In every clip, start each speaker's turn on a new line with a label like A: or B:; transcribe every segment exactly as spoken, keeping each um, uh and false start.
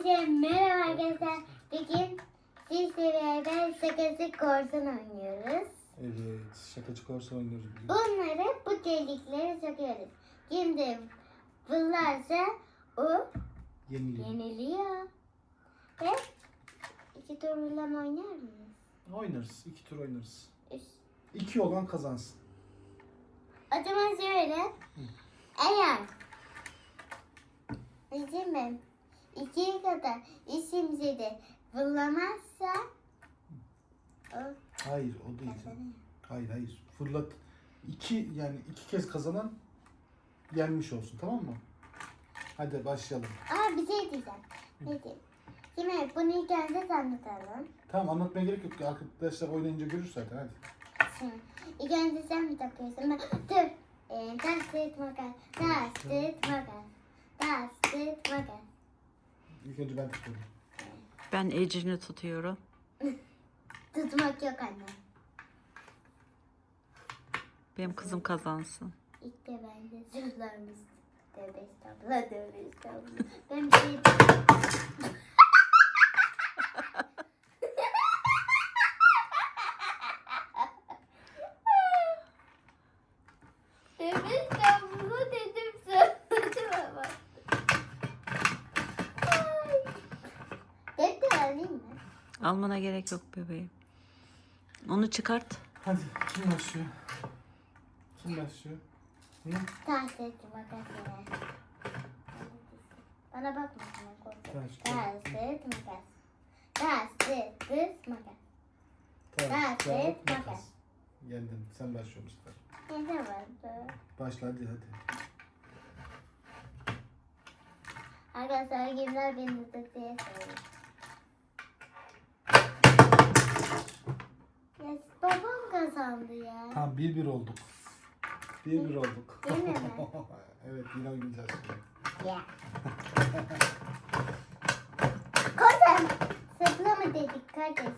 A: Hepinize merhaba arkadaşlar. Bugün sizle beraber şakası korsan oynuyoruz.
B: Evet, şakacı korsan oynuyoruz bugün.
A: Bunları bu deliklere sokuyoruz. Kim de fırlarsa o
B: Yeniliyor.
A: yeniliyor. Ve iki turla oynar mıyız?
B: Oynarız, iki tur oynarız.
A: Üç.
B: İki olan kazansın.
A: O zaman şöyle. Eğer bizim mi? İkiye kadar işimizi de fırlamazsa o
B: Hayır, o değil.
A: kazanıyor.
B: Hayır, hayır. Fırlat. İki, yani iki kez kazanan yenmiş olsun, tamam mı? Hadi başlayalım.
A: Aa bir şey diyeceğim. Ne diyeyim? Şimdi bunu ilk önce tanıtalım.
B: Tamam, anlatmaya gerek yok. Arkadaşlar oynayınca görür zaten, hadi.
A: Şimdi ilk önce sen mi takıyorsun? Ben, dur. Ee, taş, kağıt, makas. Taş, kağıt, makas. Taş, kağıt, makas.
B: İlk önce ben tutuyorum.
C: Ben Ece'ni tutuyorum.
A: Tutmak yok anne.
C: Benim kızım kazansın.
A: İlk de ben de zırhlarımız. Tövbe estağfurullah, tövbe estağfurullah. Ben bir şey Tövbe estağfurullah dedim sana. Ama. Ay. Defter alayım mı?
C: Almana gerek yok bebeğim. Onu çıkart.
B: Hadi, kim başlıyor? Kim başlıyor? Hı?
A: Taş, kağıt, makas ver. Bana bakma sana korkuyorum.
B: Taş,
A: Taş,
B: kağıt,
A: kağıt, makas. Taş, kağıt, makas.
B: Taş,
A: Taş,
B: kağıt,
A: kağıt,
B: makas.
A: makas.
B: Yendin, sen başlıyor bu sefer.
A: Ne vardı?
B: Başla hadi, hadi.
A: Arkadaşlar kimler beni tutuyor söyleyeyim. Ya babam kazandı ya.
B: Tamam, bir bir olduk. Bir bir olduk.
A: Yine mi?
B: Evet, yine oynayacağız şimdi.
A: Ya. Kozan. Sıpla mı dedik kardeşim?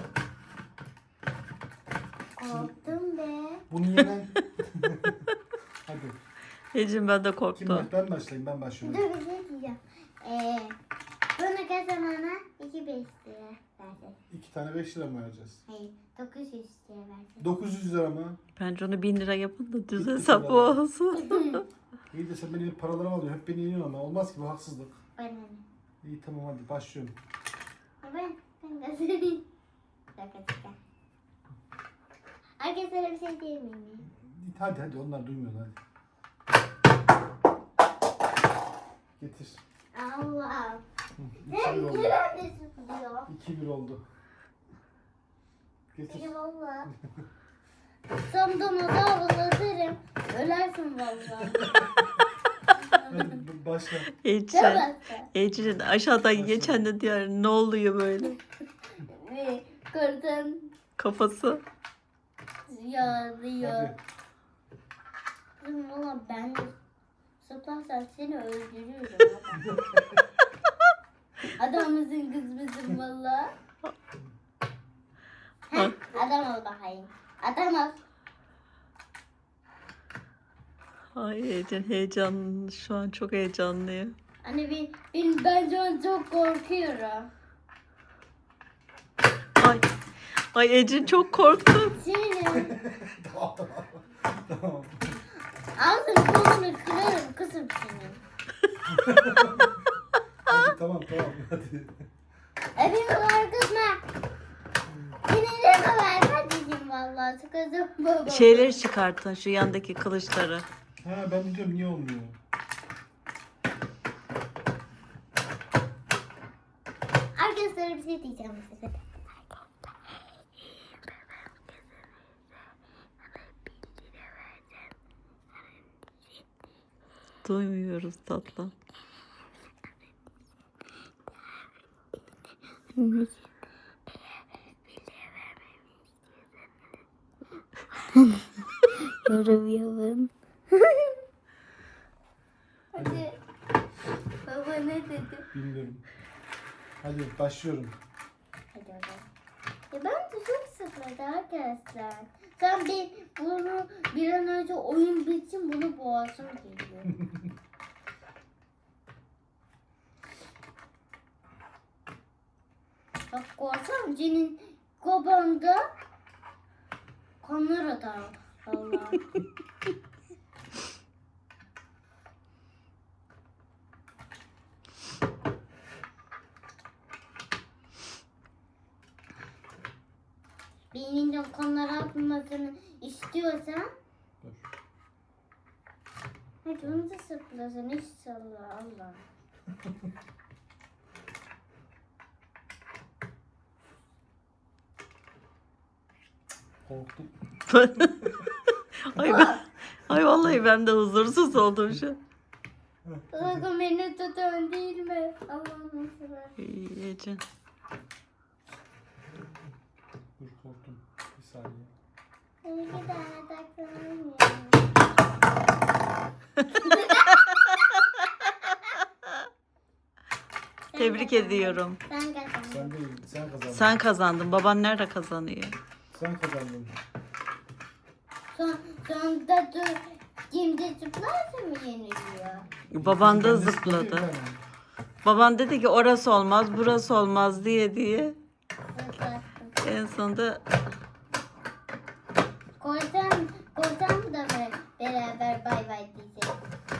A: Korktum be.
B: Bunu yenen... Hadi.
C: Ece'm ben de
B: Kim
C: korktum.
B: baş? Ben başlayayım, ben
A: Dur
B: başlıyorum.
A: bir şey diyeceğim. Ee, bunu kazanana iki beş lira versin.
B: İki tane beş lira mı vereceğiz?
A: Hayır dokuz yüz lira versin.
B: dokuz yüz lira mı?
C: Bence onu bin lira yapın da düz
B: Bitti
C: hesap
B: vallahi.
C: olsun.
B: İyi de sen benim paralarımı alıyorsun. Hep beni yeniyorsun ama. Olmaz ki, bu haksızlık.
A: Bana ne?
B: İyi tamam, hadi başlıyorum.
A: Ben, ben kazanayım. Şaka şaka. Arkadaşlara bir şey diyeyim mi?
B: Hadi hadi, onlar duymuyorlar hadi. Getir.
A: Allah.
B: Hı,
A: Sen
B: iki bir oldu.
A: nerede sıkılıyor?
B: iki bir oldu. Getir.
A: Peki valla. Samdana da avlatırım. Ölersin valla.
B: Hadi b- başla.
C: Ece.
A: Tamam.
C: Ece'nin aşağıdan geçen de diğer ne oluyor böyle?
A: Ve kurtan
C: Kafası.
A: yağlıyor.
B: Hadi.
A: Kızım valla ben sıplarsam seni öldürüyorum. Adamımızın kız mısın valla? Heh, adam ol bakayım. Adam ol.
C: Ay Ece heyecanlı. Şu an çok heyecanlıyım.
A: Hani ben, ben, ben şu an çok korkuyorum.
C: Ay. Ay Ece çok korktum.
A: Senin
B: Tamam tamam. Tamam.
A: ağzını kolunu kırarım kızım senin.
B: Hadi tamam tamam hadi.
A: Evimi korkutma. Sinirlerime verme diyeyim valla. Kızım baba.
C: Şeyleri çıkartın, şu yandaki kılıçları.
B: Ha, ben de diyorum niye olmuyor?
A: Arkadaşlara bir şey diyeceğim bu sefer.
C: Duymuyoruz tatlım.
A: Yorum yapın. Hadi. Baba ne dedi?
B: Bilmiyorum. Hadi başlıyorum.
A: Hadi bakalım. Ya ben de çok sıkıldı arkadaşlar. Sen bir bunu bir an önce oyun bitsin bunu boğazım geliyor. Bak korsan senin kobanda kanlar atar. Allah. Beyninden kanlar akmasını istiyorsan
B: Dur.
A: hadi onu da sıklasın. İnşallah Allah.
B: Korktum.
C: Ay ben, ay vallahi ben de huzursuz oldum şu an.
A: Bakın beni tutan değil mi? Allah'ım sever.
C: İyi Ecem.
B: Dur korktum. Bir saniye.
A: İki tane takılalım ya. Sen
C: Tebrik
A: kazandın.
C: ediyorum.
A: Sen kazandın.
B: Sen değil. Sen kazandın.
C: Sen kazandın. Baban nerede kazanıyor?
B: Sen kazandın.
A: Son, sonunda dur. Kimde zıplarsa mı yeniliyor?
C: Baban da
B: Kendisi
C: zıpladı.
B: bir tane.
C: Baban dedi ki orası olmaz, burası olmaz diye diye.
A: Zıplattım.
C: En sonunda
A: Korsan, korsan da mı beraber bay bay diyeceğiz?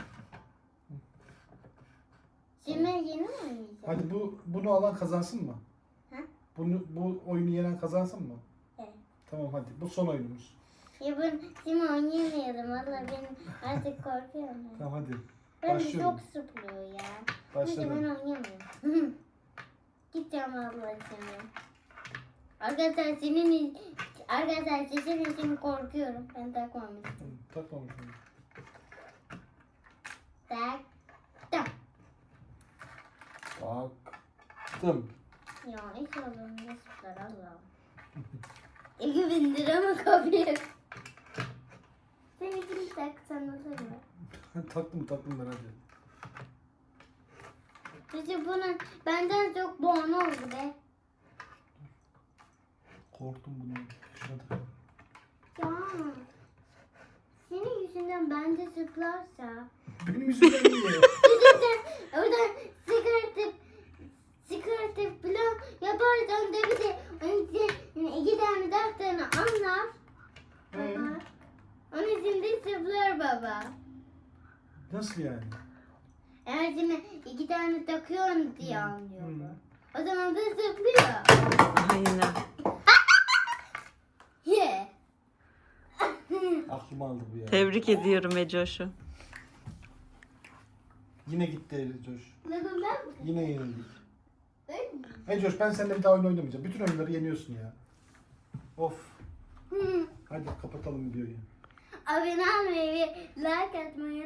A: Şimdi yeni mi oynayacağız?
B: Hadi bu bunu alan kazansın mı?
A: Ha?
B: Bunu bu oyunu yenen kazansın mı?
A: Evet.
B: Tamam hadi. Bu son oyunumuz.
A: Ya ben şimdi oynayamayalım. Valla ben artık korkuyorum. ya.
B: Tamam hadi.
A: Ben de
B: Başlıyorum.
A: çok sıplıyor ya. Neyse ben
B: Başladım.
A: oynayamıyorum. Gideceğim abla seni. Arkadaşlar senin arkadaşlar senin için korkuyorum. Ben takmamıştım.
B: Takmamışım.
A: Taktım.
B: Taktım.
A: Ya inşallah ne sıfır Allah'ım. İki bin lira mı kapıyı? Sen ikini taksan olur mu?
B: taktım taktım ben hadi.
A: Peki bunun benden çok boğan oldu be.
B: Korktum bunu. Şuna tak.
A: Ya. Senin yüzünden bende zıplarsa.
B: Benim yüzümden niye?
A: Yüzünden oradan çıkartıp çıkartıp falan yaparsan da bir de iki, iki tane defterini anlar.
B: Ee,
A: Baba. Onun için de zıplar baba.
B: nasıl yani?
A: Eğer şimdi iki tane takıyorsun diye anlıyor.
B: Hı.
A: O zaman da zıplıyor.
C: aynen.
A: Ye.
B: Aklım aldı bu ya.
C: Tebrik ediyorum Ecoş'u.
B: Yine gitti Coş.
A: Ne bunlar?
B: Yine yenildik.
A: Değil mi?
B: Hey Coş ben seninle bir daha oyun oynamayacağım. Bütün oyunları yeniyorsun ya. Of.
A: Hı.
B: Hadi kapatalım videoyu.
A: Abone olmayı ve like atmayı